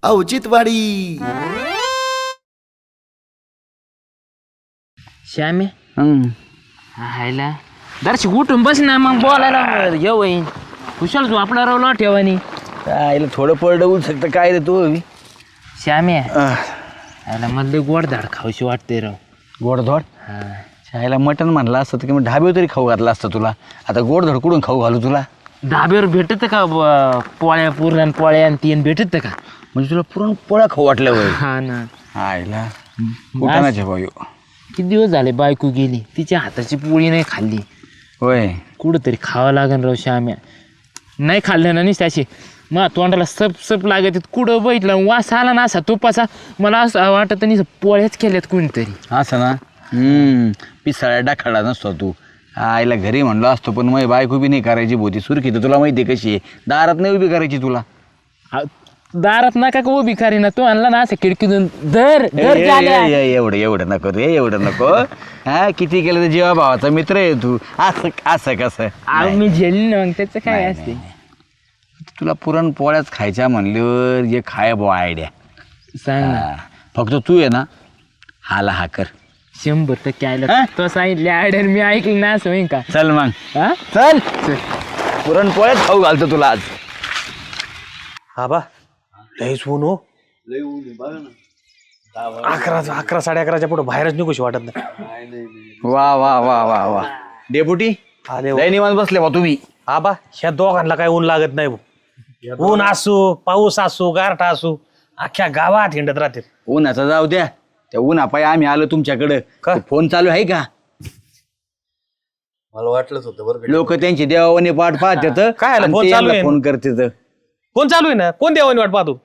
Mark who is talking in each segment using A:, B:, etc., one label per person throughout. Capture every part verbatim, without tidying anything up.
A: औचित्यवाडी.
B: श्यामे हायला दर्शक उठून बस ना मग बोलायला येऊ येईन कुशल तू आपला रावला ठेवानी
C: आईला थोडं पडलं होऊ शकतं काय रे तू
B: श्यामे याला मधले गोड धाड खाऊशी वाटते राव.
C: गोडधोड
B: हा
C: शाळेला मटण म्हणलं असतं तर किंवा ढाब्यावर तरी खाऊ घातला असतं तुला. आता गोडधोड कुठून खाऊ घालू तुला.
B: धाब्यावर भेटत का ब- पोळ्या पुरण पोळ्या आणि तीन भेटत का
C: म्हणजे तुला पुरण पोळ्या खाऊ वाटलं वय.
B: हा ना
C: आईला कुठानाचे भाऊ
B: किती दिवस झाले बायको गेली तिच्या हाताची पोळी नाही खाल्ली.
C: होय
B: कुठंतरी खावं लागेल राव श्याम्या. नाही खाल्लं ना नाही त्याची मग तोंडाला सप सप लागत कुठं बघितलं वास आला ना असा तुपाचा मला असं वाटत नाही पोळ्याच केल्यात कोणीतरी.
C: असं ना हम्म पिसाळ्या डाखाडा नसतो तू. आईला घरी म्हणलो असतो पण मग बायको बी नाही करायची भोती सुरखी तर तुला माहिती आहे कशी आहे. दारात नाही उभी करायची तुला.
B: आ, दारात नका का उभी करी ना तो आणला ना असं खिडकीतून दर दर
C: ए,
B: झाल्या.
C: ए, ए, एवढं एवढं नको रे एवढं नको. हा किती केलं तर जीवा भावाचा मित्र आहे तू. असं असं कसं
B: अहो, मी झेलली ना मग त्याचं काय
C: नाही,
B: असते.
C: तुला पुरण पोळ्याच खायच्या म्हणल्यावर जे खाय बुवा आयडिया.
B: सांग ना.
C: हा, फक्त तू आहे ना हाला हा कर.
B: शंभर टक्के आयला
C: हा?
B: तो सांगितले आयडर मी ऐकलं ना असं होईन का.
C: चल मग
B: हा
C: चल पुरण पोळ्याच खाऊ घालतो तुला आज.
D: हा बा लईच ऊन हो. अकरा अकरा साडे अकराच्या पुढे बाहेरच निघूशी वाटत नाही.
C: वा वा वा वा वा डेपुटी
D: आले हो.
C: लय निवांत बसले बा तुम्ही.
D: हा बा ह्या दोघांना काय ऊन लागत नाही भाऊ. ऊन असू पाऊस असू गारठा असू अख्ख्या गावात हिंडत राहते.
C: उन्हाचा जाऊ द्या त्या उन्हापायी आम्ही आलो तुमच्याकडं.
D: का?
C: तो फोन चालू आहे का.
A: मला वाटलंच होतं बरं.
C: लोक त्यांची देवाने पाठ पाहतात
D: काय आलं?
C: आणि
D: फोन
C: ते
D: चालू
C: यांना
D: आहे.
C: फोन करतात.
D: कोण चालू आहे ना कोण देवानी वाट पाहतो.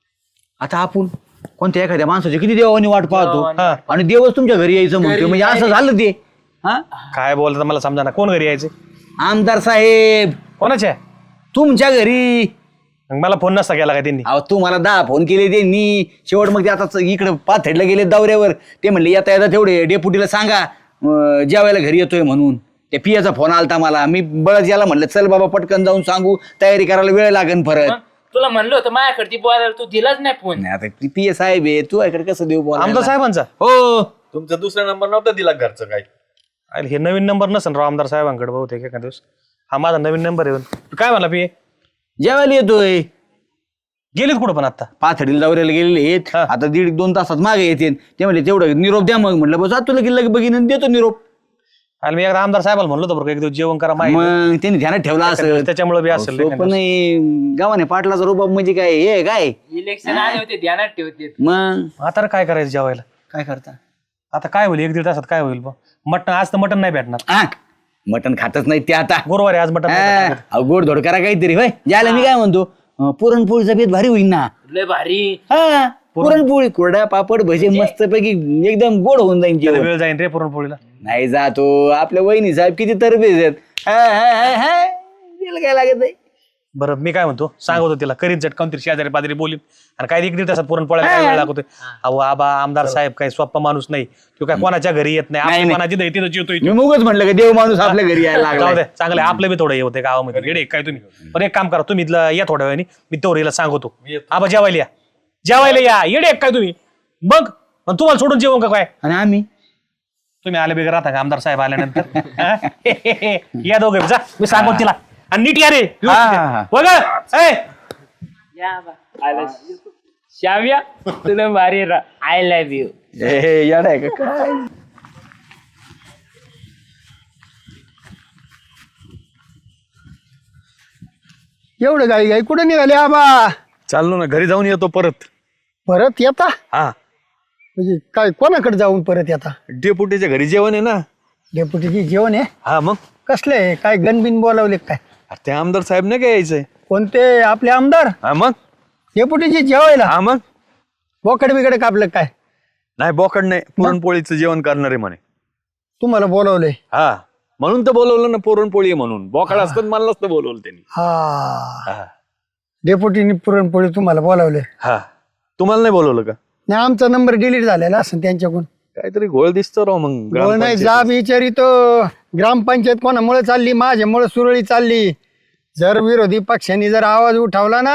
C: आता आपण कोणत्या एखाद्या माणसाची किती देवानी वाट पाहतो
D: हा.
C: आणि देवच तुमच्या घरी यायचं म्हणतो म्हणजे असं झालं ते. हा
D: काय बोलतात मला समजा ना. कोण घरी यायचे
C: आमदार साहेब
D: कोणाच्या
C: तुमच्या घरी.
D: मग मला फोन नसता केला काय त्यांनी.
C: अहो तुम्हाला दहा फोन केले त्यांनी शेवट मग ते आता इकडे पाथेडला गेले दौऱ्यावर. ते म्हणले येता येता तेवढे डेपुटीला सांगा अं, जेवायला घरी येतोय म्हणून. त्या पियाचा फोन आलता मला. मी बळच याला म्हणलं चल बाबा पटकन जाऊन सांगू तयारी करायला वेळ लागेल परत.
B: तुला म्हणलं होतं माझ्याकडे बोलायला तू दिलाच नाही फोन.
C: नाही आता ती पिया साहेब आहे तू इकडे कसं देऊ बोला.
D: आमदार साहेबांचा
C: हो
A: तुमचा दुसरा नंबर नव्हता दिला घरचं काय.
D: अरे हे नवीन नंबर नसेल राव आमदार साहेबांकडे बहुतेक एका दिवस. हा माझा नवीन नंबर आहे. तू काय म्हणला पी
C: जेवायला येतोय.
D: गेलीत कुठं पण आता.
C: पाथडीला दौऱ्याला गेलेले आहेत.
D: हा.
C: आता दीड दोन तासात मागे येते ते म्हणले तेवढं निरोप द्या. मग म्हटलं बस तुला गेलं बघीन आणि देतो निरोप.
D: आणि मी एकदा आमदार साहेबाला म्हणलो होतो बरं का, एक दिवस जेवण करा माहिती
C: मग त्यांनी ध्यानात ठेवला असं.
D: त्याच्यामुळे बी असेल
C: पण नाही गावाने पाटलाचा रुबाब म्हणजे काय हे आहे काय.
B: इलेक्शन आले होते ध्यानात ठेवते.
C: मग
D: आता रे काय करायचं जेवायला.
C: काय करता.
D: आता काय होईल एक दीड तासात काय होईल मटन. आज तर मटन नाही भेटणार.
C: हा मटण खातच नाही ते आता.
D: गुरुवारी आज मटन नाही भेटणार.
C: हा, गोड धोड करा काहीतरी होय. ज्याला मी काय म्हणतो अं, पुरणपोळीचा बेत भारी होईल ना.
B: लय भारी.
C: हा पुरणपोळी कोरडा पापड भजे मस्त पैकी एकदम गोड होऊन जाईल
D: त्याला
C: जेवण.
D: वेळ जाईन रे पुरणपोळीला.
C: नाही जातो आपल्या वहिनी साहेब किती तरबेज आहेत. हा, हा, हा, हा. तिला काय लागत नाही.
D: बरं मी काय म्हणतो सांगतो तिला करीत झटकावून तरी शेजारी पाजारी बोलीन. आणि काय एक दीड तासात पुरणपोळ्याला काय वेळ लागतोय. अहो आबा आमदार साहेब काय सोप्पा माणूस नाही. तो काय कोणाच्या घरी येत नाही.
C: नाही,
D: आपली
C: नाही.
D: कोणाची दही तिथं जेवतोय.
C: मी मुगच म्हणलं का देव माणूस आपल्या घरी यायला
D: जाऊ
C: लागला.
D: दे चांगलं आहे. आपलं बी थोडं हे होते गावामध्ये येडे काय तुम्ही. पण एक काम करा तुम्ही इथलं या थोड्या वेळाने मी तेवढीला सांगतो. आबा जेवायला या जेवायला या येडे काय तुम्ही. बघ पण तुम्हाला सोडून जेवण का काय.
C: आणि आम्ही
D: तुम्ही आले बिगर राहता का आमदार साहेब आल्यानंतर. हा? या दोघे जा मी सांगतो तिला. आणि नीट या रे
C: हा, हा, हा.
D: बघ ए.
B: श्याव्या तुला भारी आय लव्ह यू.
C: हे याड आहे का काय.
E: एवढं गाई गाई कुठे निघाले आबा.
A: चाललो ना घरी जाऊन येतो परत.
E: परत येता
A: हा
E: म्हणजे काय कोणाकडे जाऊन परत येता.
A: डेपुटीच्या घरी जेवण आहे ना.
E: डेप्युटीची जेवण आहे.
A: हा मग
E: कसले आहे? काय गणबिन बोलावले काय.
A: अरे ते आमदार साहेब नाही काय यायचंय.
E: कोणते आपले आमदार
A: हा मग
E: डेप्युटीची जेवायला
A: हा मग
E: बोकड बिकड कापलं काय.
A: नाही बोकड नाही पुरणपोळीचं जेवण करणार आहे म्हणे.
E: तुम्हाला बोलावलंय.
A: हा म्हणून तर बोलवलं ना पुरणपोळी आहे म्हणून. बोकड असतात मला नसतं बोलवलं त्यांनी.
E: हा
A: हा
E: डेप्युटीने पुरणपोळी तुम्हाला बोलावले.
A: हा तुम्हाला नाही बोलवलं का.
E: नाही आमचा नंबर डिलीट झालेला असं त्यांच्याकडून.
A: काहीतरी घोळ दिसतो राव मग.
E: बोल नाही
A: ग्रामपंचायतीत.
E: जा विचारी तो ग्रामपंचायत कोणामुळे चालली माझ्यामुळे सुरळी चालली. जर विरोधी पक्षांनी जर आवाज उठवला ना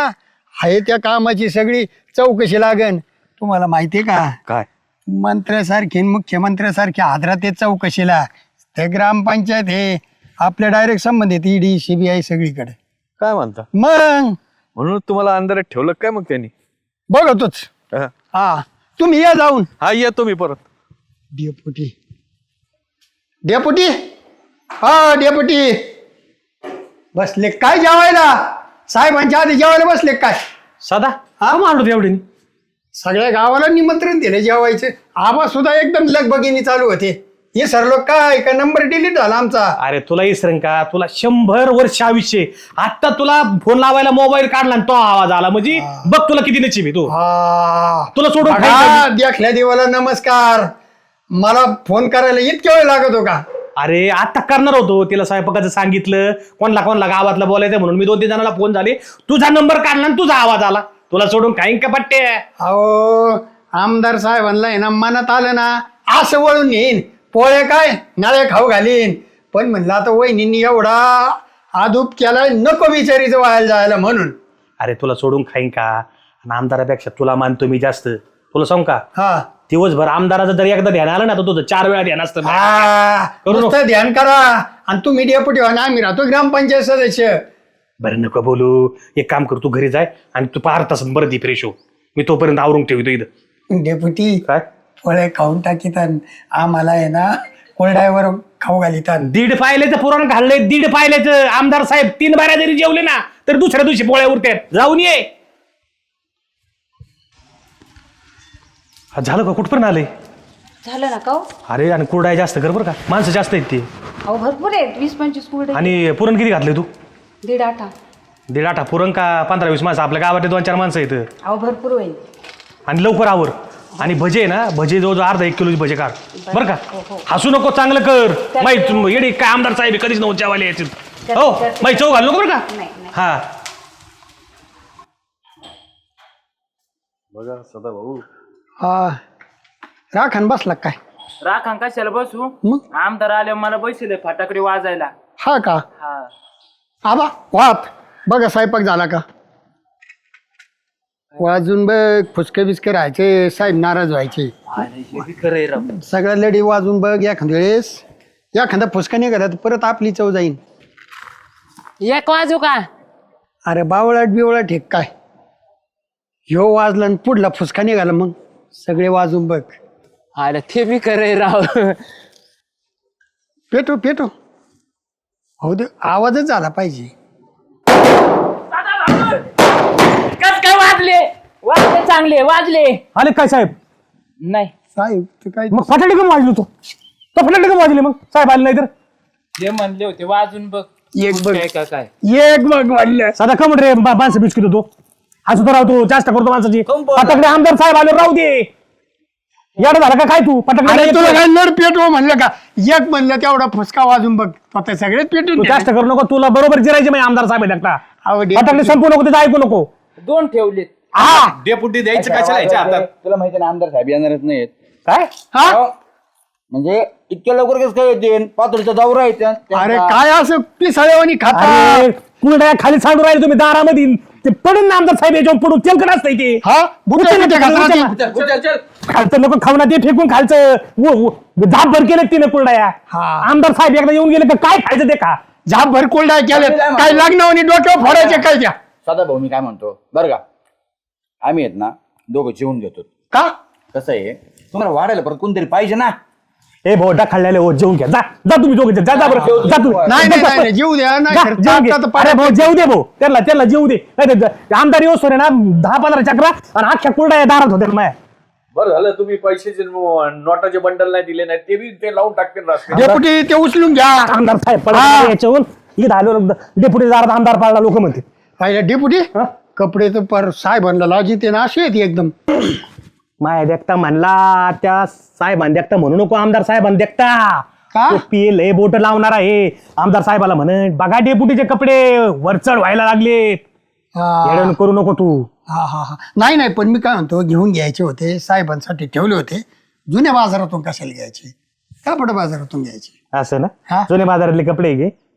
E: आहे त्या कामाची सगळी चौकशी लागन. तुम्हाला माहितीये का
A: काय
E: मंत्र्यासारखी आणि मुख्यमंत्र्यासारखी आदरात ते चौकशीला ते ग्रामपंचायत हे आपल्या डायरेक्ट संबंधित ईडी सीबीआय सगळीकडे.
A: काय म्हणता
E: मग
A: म्हणून तुम्हाला अंधारात ठेवलं काय मग त्यांनी?
E: बघतोच.
A: हा.
E: हा तुम्ही या जाऊन.
A: हा येतो मी परत.
E: डेपुटी डेपुटी हा डेपुटी बसले काय जेवायला? साहेबांच्या आधी जेवायला बसले काय?
D: साधा हा मांडू एवढी
E: सगळ्या गावाला निमंत्रण दिले जेवायचे. आबा सुद्धा एकदम लगबगीने चालू होते. हे सर लोक काय का नंबर डिलीट झाला आमचा.
D: अरे तुला इसरण का तुला शंभर वर्ष आयुष्य आता तुला फोन लावायला मोबाईल काढला आणि तो आवाज आला म्हणजे बघ तुला किती नचिब आहे तू
E: हा
D: तुला सोडून
E: बघा,
D: खायचं.
E: देखल्या देवाला नमस्कार. मला फोन करायला इतक्या वेळ लागत हो का?
D: अरे आता करणार होतो तिला स्वयंपाकाचं सांगितलं कोणला कोणला गावातला बोलायचं म्हणून मी दोन तीन जणांना फोन झाले तुझा नंबर काढला आणि तुझा आवाज आला तुला सोडून खाईन का पट्टे.
E: अहो आमदार साहेबांना आहे ना मनात आलं ना असं वळून येईन पोळे काय नाळे खाऊ घालीन. पण म्हणलं आता वहिनींनी एवढा आदूप केलाय नको विचारीचं व्हायला जायला म्हणून.
D: अरे तुला सोडून खाईन का आणि आमदारापेक्षा तुला मानतो मी जास्त. तुला सांग का
E: हा
D: दिवसभर आमदाराचं जर एकदा ध्यान आलं ना तर तुझं चार वेळा ध्यान असतं.
E: हा,
D: करू नको.
E: नुसतं ध्यान करा आणि तुम्ही डेपुटी व्हा ना आम्ही राहतो ग्रामपंचायत सदस्य.
D: बरं नको बोलू एक काम कर तू घरी जाय आणि तू पार तास बरं दी फ्रेश हो मी तोपर्यंत आवरून ठेवतो इथं.
E: डेपुटी
D: काय
E: फळे खाऊन टाकीतात आम्हाला आहे ना कोरड्यावर खाऊ घालितात.
D: दीड पायल्याचं पुराण घाललंय दीड पायल्याचं. आमदार साहेब तीन बाऱ्या जरी जेवले ना तर दुसऱ्या दिवशी पोळ्या उरतात. जाऊन ये. हा, झालं का कुठपर्यंत आले?
F: झालं ना का हो?
D: अरे आणि कुरडाय जास्त कर बरं का माणसं जास्त आहेत ते.
F: अहो भरपूर आहेत वीस पंचवीस कुरडे.
D: आणि पुरण किती घातलंय तू?
F: दीड आठा.
D: दीड आठा पुरण का पंधरा वीस माणसं आपल्या गावात दोन चार माणसं आहेत.
F: अहो भरपूर होईल.
D: आणि लवकर आवर. आणि भजे ना भजे जवळजवळ अर्धा एक किलोची भजे काढ बरं का. हसू नको चांगलं कर. माहिती येडी काय आमदार साहेब आहे, कधीच नव्हते जेवायला यायचे. हो माहिती चव घालू नको बरं का.
F: नाही नाही
D: हा
A: बघा सदा भाऊ
E: हा राखण बसला काय?
B: राखा कशाला बसू
E: मग
B: आमदार आले मला बसले फटाकडे वाजायला.
E: हा का
B: हा
E: आबा वाप बघा स्वयंपाक झाला का? वाजून बघ फुसके बिस्के राहायचे साहेब नाराज व्हायचे.
B: खरंय राव.
E: सगळ्या लढी वाजून बघ एखाद्या वेळेस एखादा फुसका नाही करत परत आपली चव जाईन.
B: एक वाजू का?
E: अरे बावळाट बिवळाट हे काय ह्यो वाजला आणि पुढला फुसका निघाला मग सगळे वाजून बघ.
B: अरे ते बी खरंय राव.
E: पेटो पेटो हो दे आवाजच झाला पाहिजे.
B: कस काय वाजले? वाजले चांगले वाजले.
D: आले काय साहेब?
B: नाही
E: साहेब ते काय
D: मग फटाके कमी वाजलो तो तो फटाके कमी वाजले मग साहेब आले नाही तर.
B: जे म्हणले होते वाजून बघ.
E: एक बघ
B: काय का काय
E: एक बघ वाढलं.
D: साधा कमट रे मा- माणसं बिस्किट होतो हा सुद्धा राहतो जास्त करतो माणसाची. फटाकडे आमदार साहेब आले राहू दे. याड झाला का काय तू
E: अरे
D: फटाकडे
E: तुला काय नड पेटो म्हणलं का? एक म्हणलं तेवढा फुसका वाजून बघ आता सगळेच पेटून
D: तू जास्त करू नको तुला बरोबर जिरायचे म्हणजे आमदार साहेब आहेत एकटा.
E: आवडे.
D: फटाकडे संपू नको तिथं ऐकू नको.
B: दोन ठेवलेत.
D: हा
A: डेपुटी द्यायचं कशाला याच्या हातात?
C: तुला माहिती ना आमदार साहेब येणारच नाहीत.
D: काय
E: हा
C: म्हणजे इतक्या लवकर कसं काय येते पातळीचा दौरा आहे त्या- त्यांचा.
E: अरे काय असं पिसाळेवानी खाता?
D: अरे कुरड्या खाली सांडून राहिले तुम्ही दारामध्ये ते पडून ना आमदार साहेब याच्यावर पडून तेलकट असतंय ते.
E: हा बुटे
D: उचल,
E: बिटे
D: उचल,
E: खाता
D: उचल.
E: ती?
D: खालचं लोक खाऊन ते फेकून खालचं व- व- झाप भर केलं तिने कुरड्या.
E: हा.
D: आमदार साहेब एकदा येऊन गेले का काय खायचं ते खा.
E: झाप भर कोल्डा केले काय लग्नावनी डोक्यावर फोडायचे काय त्या?
C: सदा भाऊ मी काय म्हणतो बरं का आम्ही आहेत ना दोघं जेवून घेतो.
E: का
C: कसं आहे तुम्हाला वाढायला परत कोणतरी पाहिजे ना.
D: ए भोटा खाल्लेले हो जेवून घ्या जा जा तुम्ही दोघे जा जा बरं जा तुम्ही
E: नाही नाही, नाही नाही, जीव द्या नाही
D: जा,
E: तर
D: जेवून घे.
E: आता तर
D: अरे
E: पाण्यात-
D: भाऊ जेव दे भाऊ त्याला त्याला जेव दे नाही तर ज- आमदार येऊस ना दहा पंधरा चक्रा आणि अख्ख्या कुरड्या दारात होत्या माया.
A: बरं झालं तुम्ही पैशाचे न- नोटाचे बंडल नाही दिले नाही ते बी ते लावून टाकतील रस्ते.
E: डेपुटी ते उचलून घ्या.
D: आमदार साहेब पडा याच्यावरून इथं आलो डेप्युटी दारात आमदार पाळला लोक म्हणते.
E: पाहिलं डेपुटी कपडे तर पर साहेबांना लाजी ते ना अशी येते एकदम.
D: माया देखता म्हणला त्या साहेबांनी देखता म्हणू नको आमदार साहेबांनी देखता
E: का?
D: पील हे बोट लावणार आहे आमदार साहेबाला म्हण बघा डेपुटीचे कपडे वरचढ व्हायला लागले.
E: हा
D: येडण करू नको तू.
E: हा हा हा. नाही नाही पण मी काय म्हणतो घेऊन घ्यायचे होते साहेबांसाठी ठेवले होते जुन्या बाजारातून कशाला घ्यायचे कापड बाजारातून घ्यायचे.
D: असं
E: हा.
D: ना जुने बाजारातले कपडे घे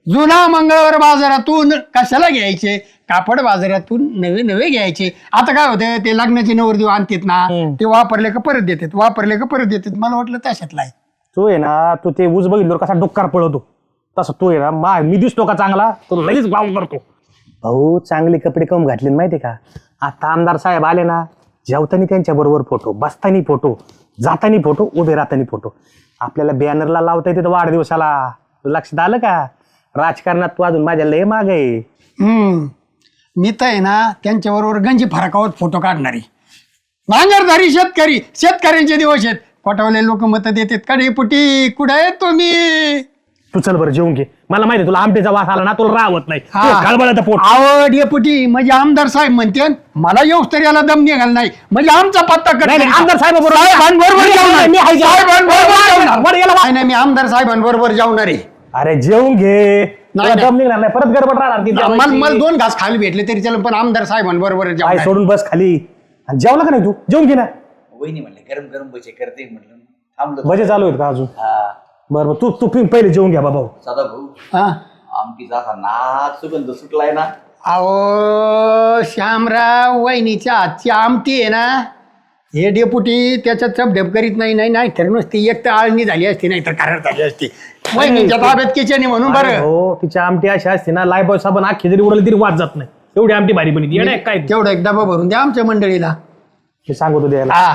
E: जुना मंगळवार बाजारातून कशाला घ्यायचे कापड बाजारातून नवे नवे घ्यायचे. आता काय होतं ते लग्नाचे नवरदेव आणतात ना ते वापरले का परत देतात वापरले का परत देतात. मला वाटलं तशातला आहे.
D: तू आहे ना तू ते ऊस बघितलं कसा डोक्कार पळवतो तसं तू आहे ना मा मी दिसतो का चांगला तो लगेच गाव करतो. भाऊ चांगले कपडे कम घातले माहितीये का. आता आमदार साहेब आले ना जेवताना त्यांच्या बरोबर फोटो बसतानी फोटो जातानी फोटो उभे राहतानी फोटो. आपल्याला बॅनरला लावता येते वाढदिवसाला. लक्षात आलं का. राजकारणात तू अजून माझ्या लय माग आहे.
E: हम्म मी तर आहे ना त्यांच्याबरोबर गंजी फरकावत फोटो काढणारी. नांगरधारी शेतकरी शेतकऱ्यांचे दिवस आहेत. पटवले लोक मत देतात कडे पुटी कुठे आहे तुम्ही.
D: तू चल बरं जेवून घे. मला माहिती तुला आमटेचा वास आला ना तुला राहत नाही. खळबळाचं पोट
E: आवड येपुटी म्हणजे आमदार साहेब म्हणते मला येऊस तरी याला दम निघाल नाही म्हणजे आमचा पत्ता कट
D: नाही, आमदार साहेबाबरोबर-
E: साहेबांबरोबर जाऊन
D: मी आहे.
E: साहेबांबरोबर जाऊन.
D: बरं, याला वा-
E: नाही नाही मी आमदार साहेबांबरोबर जाऊणार आहे.
D: अरे जेवून घे. तुला
E: नाही.
D: दम निघणार नाही परत गडबड राहणार ती
E: मला
D: जेवायची.
E: मला दोन घास खायला भेटले तरी चल पण आमदार साहेबांबरोबर
D: पाय
E: जाऊन
D: सोडून बस खाली. आणि जेवला का नाही तू जेवून घे ना.
C: वहिनी म्हणले गरम गरम भजे करते म्हटलं थांबलो.
D: भजे चालू आहेत का अजून.
C: हा
D: बरं बरं, तू तू पि- पहिले जेवून घ्या बाबा.
C: सदा भाऊ
E: हा
C: आमटीचा असा नाच सुगंध सुटलाय ना.
E: अहो श्यामराव वहिनीच्या आजची आमटी आहे ना हे डेपुटी त्याच्यात चपढेप करीत नाही नाही नाही तर नुसती एक तर आळणी झाली असती नाही तर कारड झाली असती. वहिनीच्या ताब्यात किचन आहे म्हणून
D: अरे
E: बरं
D: हो तिची आमटी अशी असते ना लायबॉय साबण अख्खी जरी उडली तरी वाद जात नाही. एवढी आमटी भारी बनी येणार काय तू?
E: तेवढा एक डबा भरून द्या आमच्या मंडळीला.
D: मी सांगतो द्यायला.
E: हा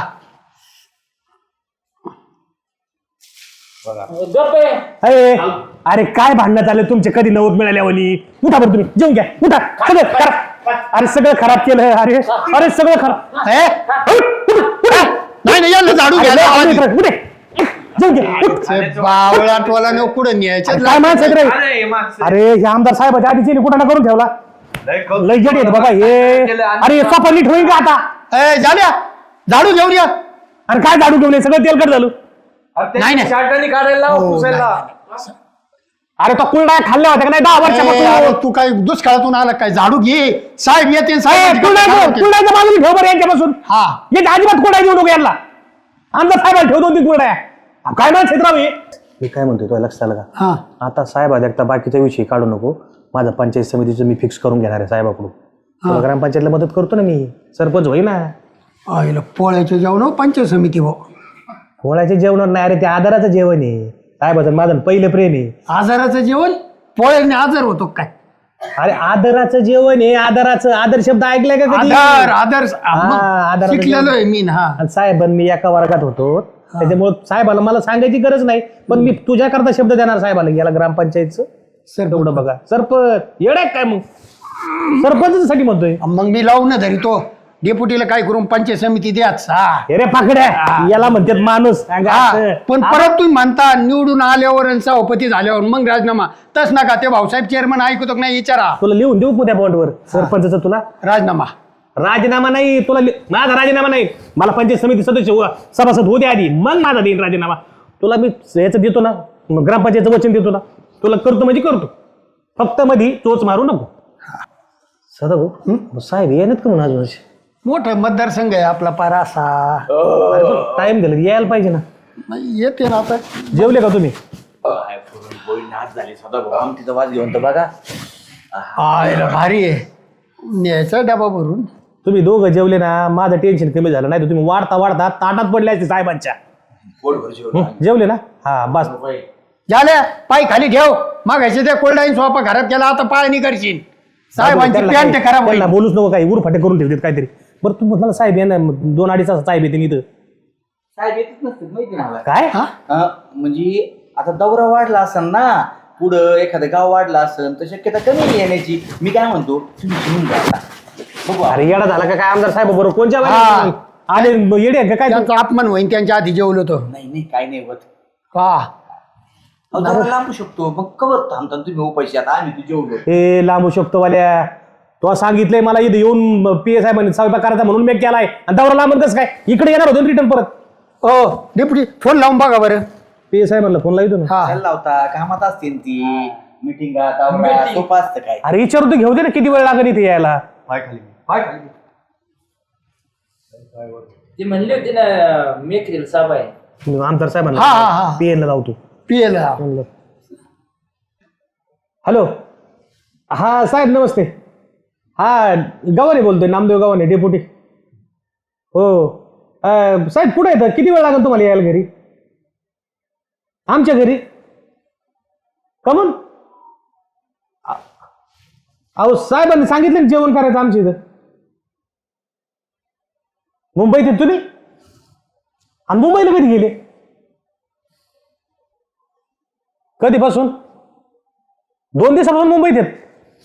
D: अरे अरे काय भांडण्यात आले तुमचे कधी नव्हत मिळाल्यावानी. उठा बरं तुम्ही जेवून घ्या उठा. सगळं खराब अरे सगळं खराब केलं. अरे अरे सगळं खराब.
E: हे? नाही नाही याला झाडू
D: अरे,
E: घ्या
D: अरे, उठ, उठ, उठ. जेवून घ्या उठ.
E: बावळा टोला न कुठं न्यायचं
D: अरे, काय माणसं आहेत रे. अरे हे आमदार साहेबाच्या आधीचे कुठं ना करून ठेवला. लय जड येत बाबा हे. अरे सोपा नीट होईल का आता.
E: ए, झाल्या झाडू घेऊन या.
D: अरे काय झाडू घेऊन ये? सगळं तेलकट झालं.
E: नाही नाही हो, नाही, नाही.
D: अरे तो कुलडा खाल्ल्या होत्या का नाही दहा
E: ए,
D: वर्षापासून.
E: अरे, तू काय दुष्काळातून आला काय झाडू घे साहेब येते
D: ए,
E: साहेब
D: कुलडाचं कुलडाचं बाजूला ठेव बरं यांच्यापासून.
E: हा
D: याच्या अजिबात कुलडा घेऊ नको यांना. आमदार साहेबाला ठेव दोन तीन कुलड्या. काय म्हणत क्षेत्राव हे. मी काय म्हणतोय तुला लक्षात आलं का.
E: हा
D: आता साहेब एकदा बाकीच्या विषयी काढू नको. माझा पंचायत समितीचं मी फिक्स करून घेणार आहे साहेबाकडून. तुला ग्रामपंचायतला मदत करतो ना मी. सरपंच होई ना.
E: आईला पोळ्याचे जेवण पंचायत समिती भाऊ
D: पोळ्याचे जेवण नाही अरे ते आधाराचं जेवण आहे. साहेबाचं माझं पहिलं प्रेम आहे.
E: आजाराचं जेवण पोळ्याने आजार होतो काय.
D: अरे आदराचं जेवण आहे. आदराचं आदर शब्द ऐकलाय का कधी?
E: आधार आधार
D: हा, आधाराचं
E: शिकलेलो
D: जेवण.
E: आहे मी ना. हा
D: आणि साहेब मी एका वर्गात होतो त्याच्यामुळे साहेबाला मला सांगायची गरज नाही पण मी तुझ्या करता शब्द देणार साहेबाला. याला ग्रामपंचायतचं
E: सर
D: तेवढं बघा. सरपंच येडाय काय मग सरपंच साठी म्हणतोय.
E: मग मी लावून ना धरी तो डेपुटीला काय करून पंचायत समिती द्याच. हा
D: हे रे पाकड्या याला म्हणतात माणूस.
E: हा, पण परत तुम्ही म्हणता निवडून आल्यावर आणि सभापती झाल्यावर मग राजीनामा तस नका. ते भाऊसाहेब चेअरमन ऐकतो का नाही विचारा.
D: तुला लिहून देऊ त्या बॉन्डवर सरपंचाचं तुला
E: राजीनामा
D: राजीनामा नाही. तुला लि- माझा राजीनामा नाही. मला पंचायत समिती सदस्य हो- सभासद होते आधी मग माझा देईन राजीनामा. तुला मी याचं देतो ना मग ग्रामपंचायतचं वचन देतो ना. तुला करतो म्हणजे करतो. फक्त मधी चोच मारू नको. सदा भाऊ साहेब येणार का म्हणून अजून असे?
E: मोठं मतदारसंघ आहे आपला पारा असा.
D: टाइम दिला यायला पाहिजे ना.
E: नाही, येते ना आता.
D: जेवले का तुम्ही.
C: काय पुरणपोळी नाच झाली सदा भाऊ आमटीचा वास घेऊन तर बघा.
E: आयला भारी आहे. न्यायचा डबा भरून.
D: तुम्ही दोघं जेवले ना माझं टेन्शन कमी झालं. नाही तर तुम्ही वाढता वाढता ताटात पडले असते साहेबांच्या.
C: पोटभर जेवण.
D: हं, जेवले ना हा बस.
E: झाल्या पाय खाली ठेव मागायचे ते कोल्डाईन सोपा घरात केला आता पाय नाही करशील. साहेबांची
D: त्यांना
E: पॅन्ट
D: काही-
E: खराब होईल.
D: त्यांना बोलूच नको काही उरफाटे करून ठेवतात काहीतरी. बरं तू म्हणाला साहेब येणार दोन अडीच तास साहेब येते इथं
C: साहेब येतच नसते माहिती मला.
D: काय.
E: हा?
C: अं, म्हणजे आता दौरा वाढला असेल ना पुढं एखादं गाव वाढलं असेल तर शक्यता कमी आहे येण्याची. मी काय म्हणतो तुम्ही घेऊन जा आता. बघू
D: अरे येडा झाला का काय आमदार साहेब बरोबर कोणच्या
E: हा.
D: वेळेला? आले येडे आहे का काय तू?
E: त्यांचा अपमान होईन त्यांच्या आधी जेवलो तो.
C: नाही नाही काय नाही होत.
E: का
C: अहो, दौरा लांबू शकतो मग कवर थांबता तुम्ही हो पैसे आता आम्ही तू जेवलो.
D: हे लांबू शकतो वाल्या. तो सांगितलंय मला इथे येऊन पी एस आय म्हणे स्वयंपाक करायचा म्हणून मी केलाय आणि दौरा लांब कसं काय इकडे येणार होतो रिटर्न परत.
E: ओ डेपुटी फोन लावून बघा बरं.
D: पी एस आय म्हणलं फोन लावतो ना.
E: हा
C: त्याला लावता कामात असतील ती मिटिंगा दौरा सोपा असतं काय.
D: अरे विचारू तर घेऊ दे ना किती वेळ लागेल इथे यायला.
B: ते म्हणले होते ना मेकरील साहेब आहे.
D: आमदार साहेब
E: हा, हा, हा.
D: पी एन ला लावतो
E: पियला
D: म्हणलं हॅलो हा साहेब नमस्ते. हा गव्हाणे बोलतोय, नामदेव गव्हाणे डेप्युटी. हो अं, साहेब कुठे येतं, किती वेळ लागेल तुम्हाला यायला घरी? आमच्या घरी कमून? अहो साहेबांनी सांगितलं ना जेवण करायचं आमच्या इथं. मुंबईत येत तुम्ही? आणि मुंबईला कधी गेले? कधीपासून? दोन दिवसापासून मुंबईत आहेत.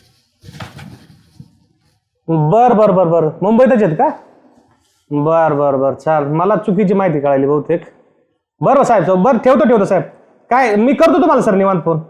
D: बर बर बर बर मुंबईतच आहेत का? बर बर बर चाल, मला चुकीची माहिती कळाली बहुतेक. बरं साहेब बरं ठेवतो ठेवतो साहेब. काय मी करतो तुम्हाला सर निवांत फोन.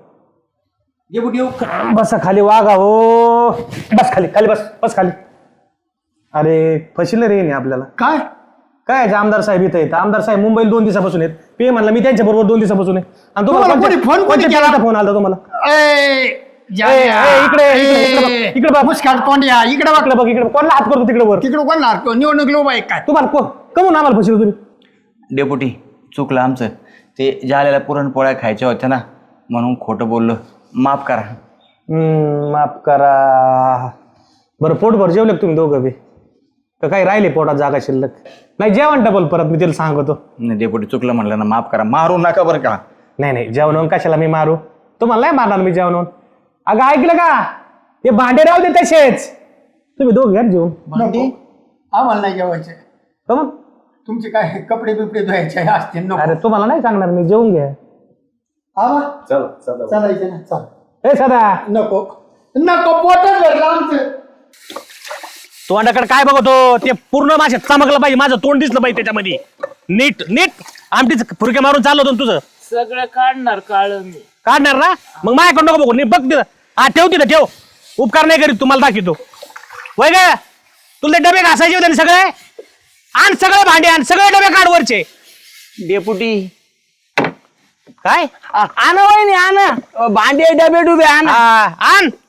D: बसा खाली वागा हो. बस खाली खाली बस बस खाली. अरे फशील रे नाही आपल्याला.
E: काय
D: काय आमदार साहेब इथं आहेत. आमदार साहेब मुंबईला दोन दिवसापासून आहेत. पे म्हणला मी त्यांच्या बरोबर दोन दिवसापासून आहे. आणि
E: तुम्हाला कोणी फोन कोणी केला?
D: फोन आला तुम्हाला?
E: ए, जा-
D: ए, ए, इकडे, इकडे, इकडे बघ,
E: ए,
D: इकडे बघ.
E: मुस्काट तोंड्या इकडे बघ.
D: इकडे बघ इकडे कोणाला हात करतो तिकडे वर?
E: तिकडे कोण लागतो निवडणूक लोक आहे काय?
D: तुम्हाला को- कमून आम्हाला फशील तुम्ही?
C: डेपुटी चुकलं आमचं. ते जाल्याला पुरणपोळ्या खायच्या होत्या ना म्हणून खोटं बोललो, माफ करा.
D: हम्म, माफ करा. बरं पोटभर जेवले का तुम्ही दोघं बी? तर काही राहिले पोटात जागा शिल्लक? नाही जेवण डबल परत मी तिला सांगतो.
C: नाही डेपुटी चुकलं म्हणलं ना, माफ करा. मारू नका बरं का.
D: नाही नाही जेवण कशाला मी मारू? तुम्हाला नाही मारणार मी जेवण. अगं ऐकलं का? ते भांडे राहू दे तसेच. तुम्ही दोघं घ्या जेवण.
E: नको. आम्हाला नाही जेवायचे.
D: कमून?
E: तुमचे काय कपडे बिपडे धुवायचे असतील नको.
D: अरे तुम्हाला नाही सांगणार मी, जेवून घ्या.
E: आवा चालायचं ना चाल.
D: ए सदा
E: नको नको पोटच भरलं आमचं.
D: तोंडाकडे काय बघतो? ते पूर्ण माझ्या चमकलं पाहिजे, माझं तोंड दिसलं पाहिजे त्याच्यामध्ये. नीट नीट आमटीच फुरके मारून चाललो होतो तुझं.
B: सगळं काढणार काळ मी.
D: काढणार ना? मग माझ्याकडे नको बघू. नी बघ तिथं. हा ठेव तिथं ठेव. उपकार नाही करीत तुम्हाला दाखवतो. वय ग तुला ते डबे घासायचे होते ना सगळे? आण सगळे भांडे आण, सगळे डबे काढ वरचे.
C: डेपुटी
D: काय
C: आण वहिनी आण भांडे डबे डुबे आण.
D: हा, आण